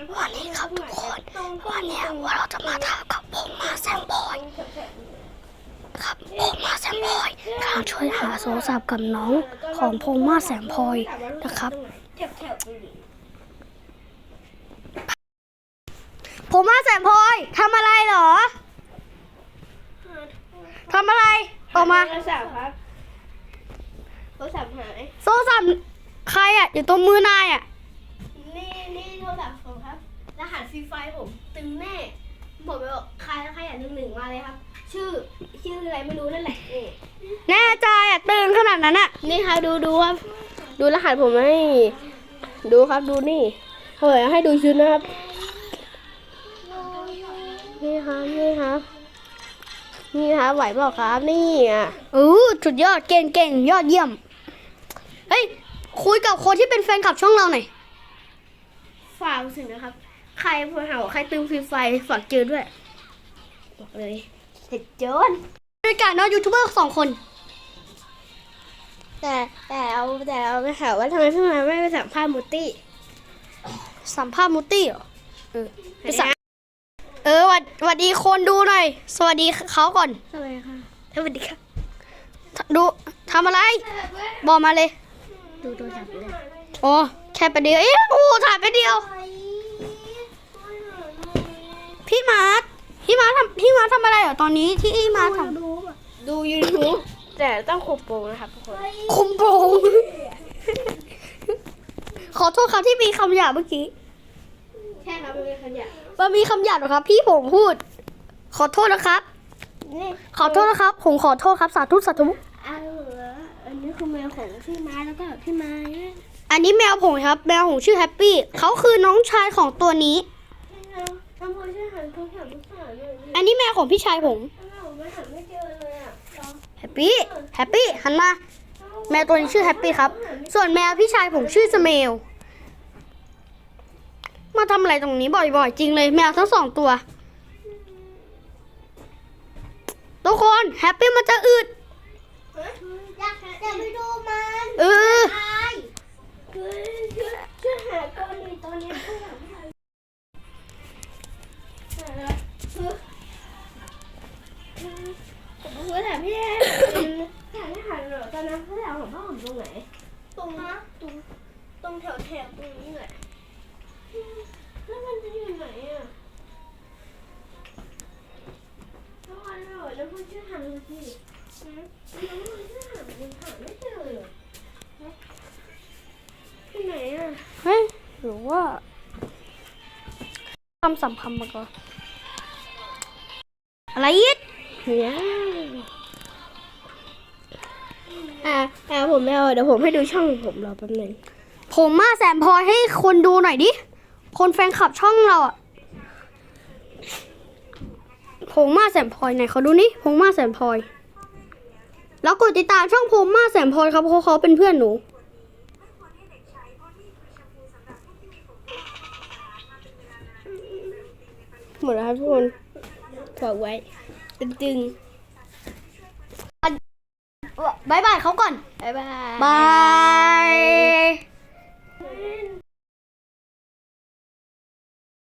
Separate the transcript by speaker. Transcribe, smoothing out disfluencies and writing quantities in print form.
Speaker 1: วันนี้ครับทุกคนวันนี้ว่าเราจะมาทำกับผมมาแซมพอยครับผมมาแซมพอยกำลังช่วยหาโทรศัพท์กับน้องของผมมาแซมพอยนะครับผมมาแซมพอยทำอะไรเหรอทำอะไรออกมา
Speaker 2: โทรศัพท์ครับโทรศัพท์หาย
Speaker 1: โทรศัพท์ใครอ่ะอยู่ตรงมือนายอ่ะ
Speaker 2: นี่โทรศัพท์ผมครับรหัสฟรีไฟผมตึงแน่ผมไปบอกใครอยากหนึ่งมาเลยครับ ชื่ออะไรไม่รู้นั่นแหละนี่
Speaker 1: แน่ใจอ่ะตึงขนาดนั้นอ่ะ
Speaker 2: นี่ครับดูครับดูรหัสผมให้ดูครับดูนี่เฮ้ยให้ดูชุดนะครับนี่ครับไหวเปล่าครับนี่อ่ะ
Speaker 1: สุดยอดเก่งยอดเยี่ยมเฮ้ยคุยกับคนที่เป็นแฟนคลับช่องเราหน่อย
Speaker 2: ฝากถึงนะครับใครพอหาใครตึงฟรีไฟฝากเจอด้วยบอกเลยเผ็ดโจน
Speaker 1: ด้วยกันเนาะยูทูบเบอร์2 คน
Speaker 2: แต่เอาไปหาว่าทำไมพี่มาไม่ไปสัมภาษณ์มูตี้
Speaker 1: สัมภาษณ์มูตี้เหรอไปสัมสวัสดีคนดูหน่อยสวัสดีเขาก่อน
Speaker 2: สวัสดีค่ะสวัสดีค่ะ
Speaker 1: ดูทำอะไรบอกมาเลย
Speaker 2: ดูโทรศัพท์เลย
Speaker 1: โอ้แค่ไปเดียวถ่ายไปเดียวพี่มาร์ททำอะไรเหรอตอนนี้ที่มาร์ทท
Speaker 2: ำดู YouTube แต่ต้องคุมโปงนะครับทุกคน
Speaker 1: คุมโปงขอโทษครับที่มีคำหยาบเมื่อกี้
Speaker 2: ใช่ครับมันมีคำหยาบ
Speaker 1: มันมีคำหยาบเหรอครับพี่ผมพูดขอโทษนะครับขอโทษนะครับผมขอโทษครับสาธุ
Speaker 2: อันนี้คือแมวของพี่ม้าแล้วก็พี่ม้า
Speaker 1: อันนี้แมวผมครับแมวผมชื่อแฮปปี้เขาคือน้องชายของตัวนี้อันนี้แมวของพี่ชายผมแฮปปี้หันมาแมวตัวนี้ชื่อแฮปปี้ครับส่วนแมวพี่ชายผมชื่อสเมลมาทำอะไรตรงนี้บ่อยๆจริงเลยแมวทั้ง2 ตัวทุกคนแฮปปี้มันจะอึด
Speaker 2: อยากไปดูมันช่วยหาตัวนี้ตัวนี้ผมถามพี่ถามเหรอตอนนั้นเขาถามผมว่าผมตรงไหนตรงแถวตรงนี้แหละแล้วมันจะอยู่ไหนอ่ะแล้ววันเหรอแล้วคุณช่วยหาดูสิแล้วคุณช่วยหาไม่เจอเลยที่ไหนอ่ะ
Speaker 1: เฮ้ยหรือว่าคำสำคัญมาก่อนอะไรอีก
Speaker 2: เนี่ยผมไม่เอาเดี๋ยวผมให้ดูช่องผมรอแป๊บนึง
Speaker 1: ผมมาแซมพอยให้คนดูหน่อยดิคนแฟนคลับช่องเราอ่ะผมมาแซมพอยไหนเขาดูนี่ผมมาแซมพอยแล้วกดติดตามช่องผมมาแซมพอยครับเพราะเขาเป็นเพื่อนหนู
Speaker 2: หมดแล้วครับทุกคนฝากไว้ตึง
Speaker 1: บายบายเขาก่อน
Speaker 2: บ๊ายบาย
Speaker 1: บาย